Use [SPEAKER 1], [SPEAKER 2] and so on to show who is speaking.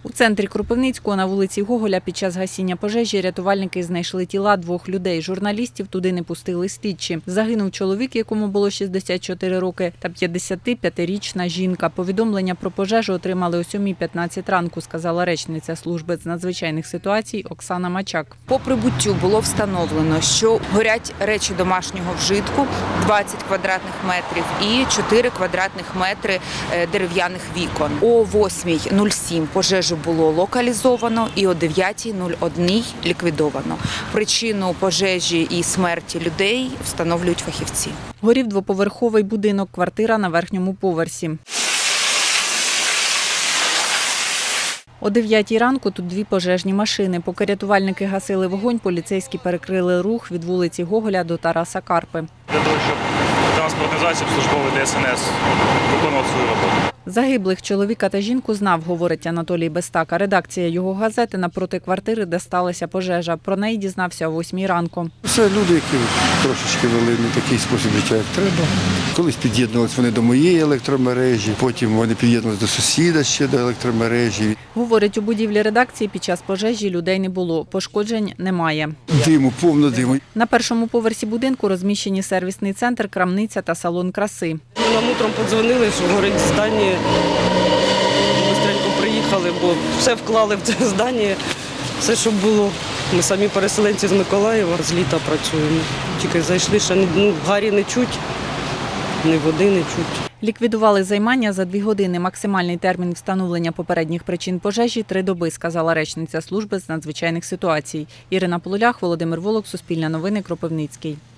[SPEAKER 1] У центрі Кропивницького на вулиці Гоголя під час гасіння пожежі рятувальники знайшли тіла 2 людей. Журналістів туди не пустили слідчі. Загинув чоловік, якому було 64 роки, та 55-річна жінка. Повідомлення про пожежу отримали о 7:15 ранку, сказала речниця служби з надзвичайних ситуацій Оксана Мачак.
[SPEAKER 2] По прибуттю було встановлено, що горять речі домашнього вжитку 20 квадратних метрів і 4 квадратних метри дерев'яних вікон. О 8:07 пожежу було локалізовано і о 9:01 ліквідовано. Причину пожежі і смерті людей встановлюють фахівці.
[SPEAKER 1] Горів двоповерховий будинок, квартира на верхньому поверсі. О 9:00 ранку тут 2 пожежні машини. Поки рятувальники гасили вогонь, поліцейські перекрили рух від вулиці Гоголя до Тараса Карпи.
[SPEAKER 3] Для того, щоб транспортний засіб службовий ДСНС виконував свою роботу.
[SPEAKER 1] Загиблих чоловіка та жінку знав, говорить Анатолій Бестака. Редакція його газети напроти квартири, де сталася пожежа. Про неї дізнався о 8:00 ранку.
[SPEAKER 4] Це люди, які трошечки вели не такий спосіб життя, як треба. Колись під'єднувалися вони до моєї електромережі, потім вони під'єднувалися до сусіда ще до електромережі.
[SPEAKER 1] Говорить, у будівлі редакції під час пожежі людей не було. Пошкоджень немає.
[SPEAKER 4] Диму, повно диму.
[SPEAKER 1] На першому поверсі будинку розміщені сервісний центр, крамниця та салон краси.
[SPEAKER 5] Нам утром подзвонили, що горить здання. Бистренько приїхали, бо все вклали в це здання, все, що було. Ми самі переселенці з Миколаєва, з літа працюємо. Тільки зайшли, ще гарі не чуть, ні води не чуть.
[SPEAKER 1] Ліквідували займання за 2 години. Максимальний термін встановлення попередніх причин пожежі – 3 доби, сказала речниця служби з надзвичайних ситуацій. Ірина Полулях, Володимир Волок, Суспільне новини, Кропивницький.